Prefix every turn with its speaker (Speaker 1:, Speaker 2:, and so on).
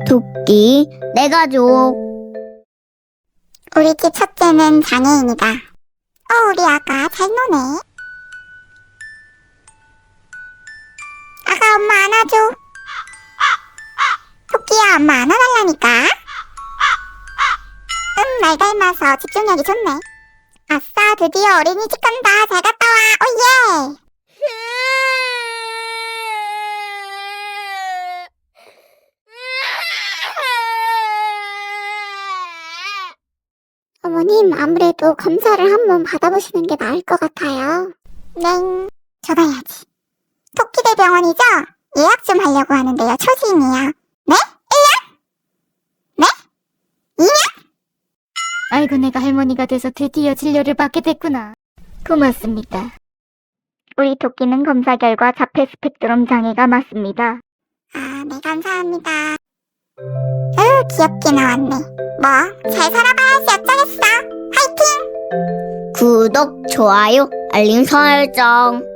Speaker 1: 토끼, 내 가족.
Speaker 2: 우리 집 첫째는 장애인이다. 우리 아가 잘 노네. 아가 엄마 안아줘. 토끼야 엄마 안아달라니까. 날 닮아서 집중력이 좋네. 아싸 드디어 어린이집 간다. 잘 갔다 와. 오예. 어머님, 아무래도 검사를 한번 받아보시는 게 나을 것 같아요. 넹, 전화해야지. 토끼대병원이죠? 예약 좀 하려고 하는데요. 초진이요. 네? 1년? 네? 2년?
Speaker 3: 아이고, 내가 할머니가 돼서 드디어 진료를 받게 됐구나. 고맙습니다.
Speaker 2: 우리 토끼는 검사 결과 자폐 스펙트럼 장애가 맞습니다. 네, 감사합니다. 귀엽게 나왔네. 뭐, 잘 살아봐야지 어쩌겠어. 화이팅!
Speaker 1: 구독, 좋아요, 알림 설정.